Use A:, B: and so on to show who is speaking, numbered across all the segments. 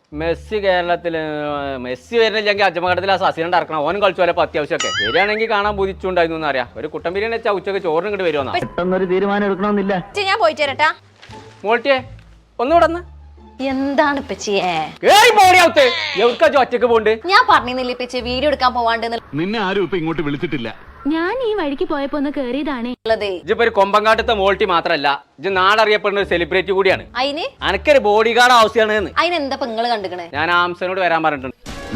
A: Messi കേരളത്തില് Messi വരുന്നില്ലെങ്കിൽ അജമഘട്ടത്തിൽ ആ സസിനെ ഇറക്കണം. ഓനും കളിച്ചു പോലെ അത്യാവശ്യമൊക്കെ വരികയാണെങ്കിൽ കാണാൻ ബുദ്ധിച്ചുണ്ടായിരുന്നു അറിയാം. ഒരു കുട്ടൻ ബിരിയാണി വെച്ചാൽ ഉച്ചക്ക് ചോറിന് ഇങ്ങോട്ട് വരുമെന്നാ.
B: പെട്ടെന്നൊരു തീരുമാനം എടുക്കണമെന്നില്ല.
C: ഞാൻ പോയിട്ട് വരട്ടാ.
A: മോൾട്ടിയെ ഒന്നുകൂടെ
C: എന്താണ് ഇപ്പച്ചിയെ
A: ഒറ്റക്ക് പോണ്ട്.
C: ഞാൻ പറഞ്ഞില്ലേ ഇപ്പച്ചി വീഡിയോ എടുക്കാൻ പോവാണ്ട്.
D: നിന്നെ ആരും ഇപ്പൊ ഇങ്ങോട്ട് വിളിച്ചിട്ടില്ല.
E: ഞാൻ ഈ വഴിക്ക് പോയപ്പോ ഒന്ന് കേറിയതാണേ.
A: ഇജിപ്പോ ഒരു കൊമ്പങ്കാട്ടത്തെ മോൾട്ടി മാത്രല്ല, ഇജ് നാടറിയപ്പെടുന്ന ഒരു സെലിബ്രിറ്റി കൂടിയാണ്.
C: അതിന്
A: അനക്കൊരു ബോഡി ഗാർഡ് ആവശ്യമാണ്.
C: അതിനെന്താ നിങ്ങള് കണ്ടിക്കണേ?
A: ഞാൻ ഹംസനോട് വരാൻ പറഞ്ഞിട്ടുണ്ട്.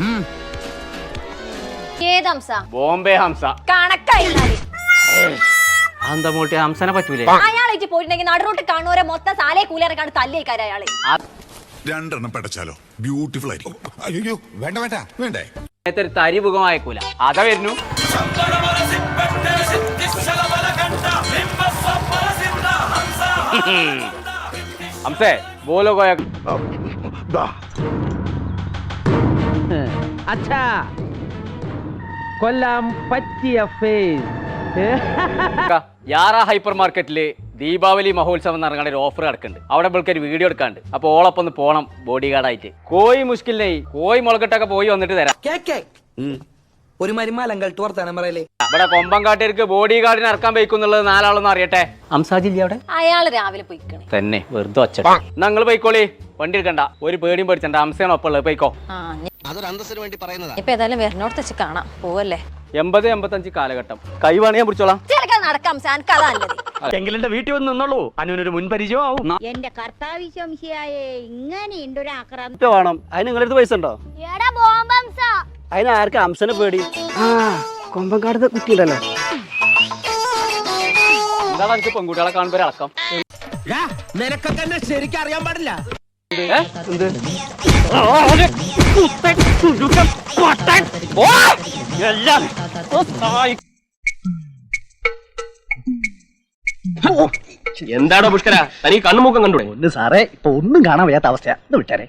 C: ഏത് ഹംസ?
A: ബോംബെ ഹംസ.
C: കണക്കായി
A: എന്താ മോൾട്ടി ഹംസനെ പറ്റൂലേ?
C: അയാളേക്ക് പോയിട്ടുണ്ടെങ്കിൽ നടുറോട്ട് കാണുവരെ മൊത്തം സാലേ കൂലിയാറക്കാണ് തല്ലിയേക്കാര് അയാളെ.
F: രണ്ടെണ്ണം പടച്ചാലോ ബ്യൂട്ടിഫുൾ ആയിരിക്കും. അയ്യോ വേണ്ട വേണ്ട വേണ്ടേ.
A: ഒരു തരി മുഖം അയക്കൂല. അതാ വരുന്നു. ഹംസേ ബോലോ കോയ.
B: അച്ഛാ കൊല്ലാം പറ്റിയ ഫേസ്.
A: യാറ ഹൈപ്പർ മാർക്കറ്റില് ദീപാവലി മഹോത്സവം എന്ന് പറഞ്ഞ ഒരു ഓഫർ കിടക്കുന്നുണ്ട്. അവിടെ ഒരു വീഡിയോ എടുക്കാണ്ട്. അപ്പൊ ഓളൊപ്പം ഒന്ന് പോണം ബോഡി ഗാർഡായിട്ട്. കോഴി മുഷ്കിലിനെ കോഴി മുളകട്ടൊക്കെ പോയി വന്നിട്ട് തരാം.
G: ഒരു മരുമാലങ്കൾ തോർത്താനം പറയലേ.
A: ഇവിടെ കൊമ്പങ്കാട്ടിലേക്ക് ബോഡി ഗാർഡിനെ ഇറക്കാൻ പോയിക്കുന്നുള്ളത് നാലാളൊന്നും അറിയട്ടെ. ഹംസാജില്ല അവിടെ?
C: അയാള് രാവിലെ പോയിക്കണേ
A: തന്നെ വെറുതെ ഒച്ച. ഞങ്ങൾ പോയിക്കോളി, വണ്ടി എടുക്കണ്ട, ഒരു പേടിയും പേടിച്ചണ്ട. ഹംസയാണ് ഒപ്പം ഉള്ളത്, പോയിക്കോ.
G: അതൊരു അന്തസ്സിന് വേണ്ടി പറയുന്നതാ.
C: ഇപ്പൊ ഏതായാലും വരണോടത്ത് വെച്ച് കാണാം. പോവല്ലേ?
A: 80-85 കാലഘട്ടം. കൈ വേണേ ഞാൻ പിടിച്ചോളാം.
C: നടക്കാം.
B: എങ്കിലെന്റെ വീട്ടിൽ വന്ന് നിന്നോളൂ. അനുവിനൊരു മുൻപരിചയം ആവും.
H: എന്റെ കർത്താവിശംശിയായേ ഇങ്ങനെ ഒരു ആക്രാന്തം
B: വേണം. അതിന് നിങ്ങളടുത്ത് പൈസ ഉണ്ടോ? അതിന് ആർക്ക് ഹംസനെ പേടി? കൊമ്പങ്കാടത്തെ കുട്ടിയുണ്ടല്ലോ.
A: എന്താണ് എനിക്ക് പെൺകുട്ടികളെ കാണുമ്പോ ഒരു അടക്കം?
G: നിനക്കൊക്കെ എന്നെ ശരിക്കും അറിയാൻ പാടില്ല.
I: എന്താണോ പുഷ്കര തനിക്ക് കണ്ണുമുക്കം കണ്ടു?
B: ഒന്ന് സാറേ, ഇപ്പൊ ഒന്നും കാണാൻ വയ്യാത്ത അവസ്ഥയാ. ഇത് വിട്ടാരെ.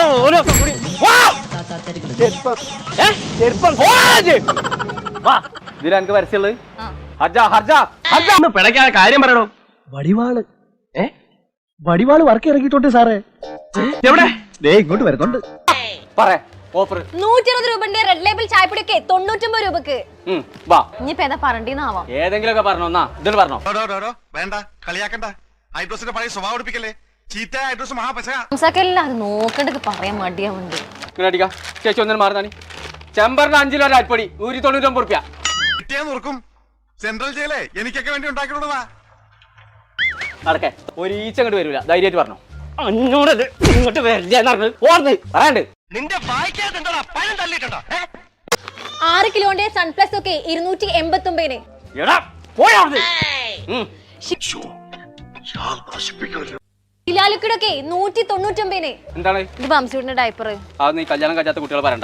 A: ഇതിൽ എനിക്ക് പരസ്യമുള്ളത്
I: പിടയ്ക്കാതെ കാര്യം പറയണോ?
B: വടിവാള് വടിവാള് വർക്ക് ഇറങ്ങിയിട്ടുണ്ട് സാറേ.
I: എവിടെ?
B: ദേ ഇങ്ങോട്ട് വരുന്നുണ്ട്.
A: ഓഫർ
C: 120 രൂപന്റെ റെഡ് ലേബിൾ ചായപ്പൊടിയൊക്കെ 99 രൂപക്ക്. ഇനിയിപ്പോ ഏതാ പറഞ്ഞാവാം.
A: ഏതെങ്കിലും ഒക്കെ പറഞ്ഞോ. ഇതിന് പറഞ്ഞോ.
F: വേണ്ട കളിയാക്കണ്ട. ഐഡ്രോസിന്റെ പഴയ സ്വഭാവം എടുപ്പിക്കല്ലേ. ചീത്ത ഐഡ്രോസ് മഹാപശ.
C: ഹംസക്കെല്ലാം അത് നോക്കണ്ടൊക്കെ പറയാൻ മടിയാവുണ്ട്.
A: ഇങ്ങനെ അടിക്കാം. ചേച്ചി ഒന്നിനും മാറുന്നാണ്. ചെമ്പറിന് 5 കിലോ അരിപ്പൊടി 199 റുപ്യ.
F: കിട്ടിയാ നോർക്കും. സെൻട്രൽ ജയിലേ എനിക്കൊക്കെ വേണ്ടി ഉണ്ടാക്കിയിട്ടുള്ളതാ.
A: നടക്കേ ഒരു ഈച്ച അങ്ങോട്ട് വരൂല. ധൈര്യമായിട്ട് പറഞ്ഞോ. അഞ്ഞോടത് ഇങ്ങോട്ട് വരില്ല പറയാണ്ട്.
I: നിന്റെ വായിക്കാതെന്താ പഴം തള്ളിയിട്ടുണ്ടോ?
C: 6 കിലോന്റെ സൺപ്ലസ് ഒക്കെ 289. ിലൊക്കെ 199.
A: എന്താണ്
C: ഇത് ബംസൂട്ടിന്റെ ഡയപ്പർ.
A: അത് നീ കല്യാണം കഴിച്ചാത്ത കുട്ടികൾ പറയണ്ട.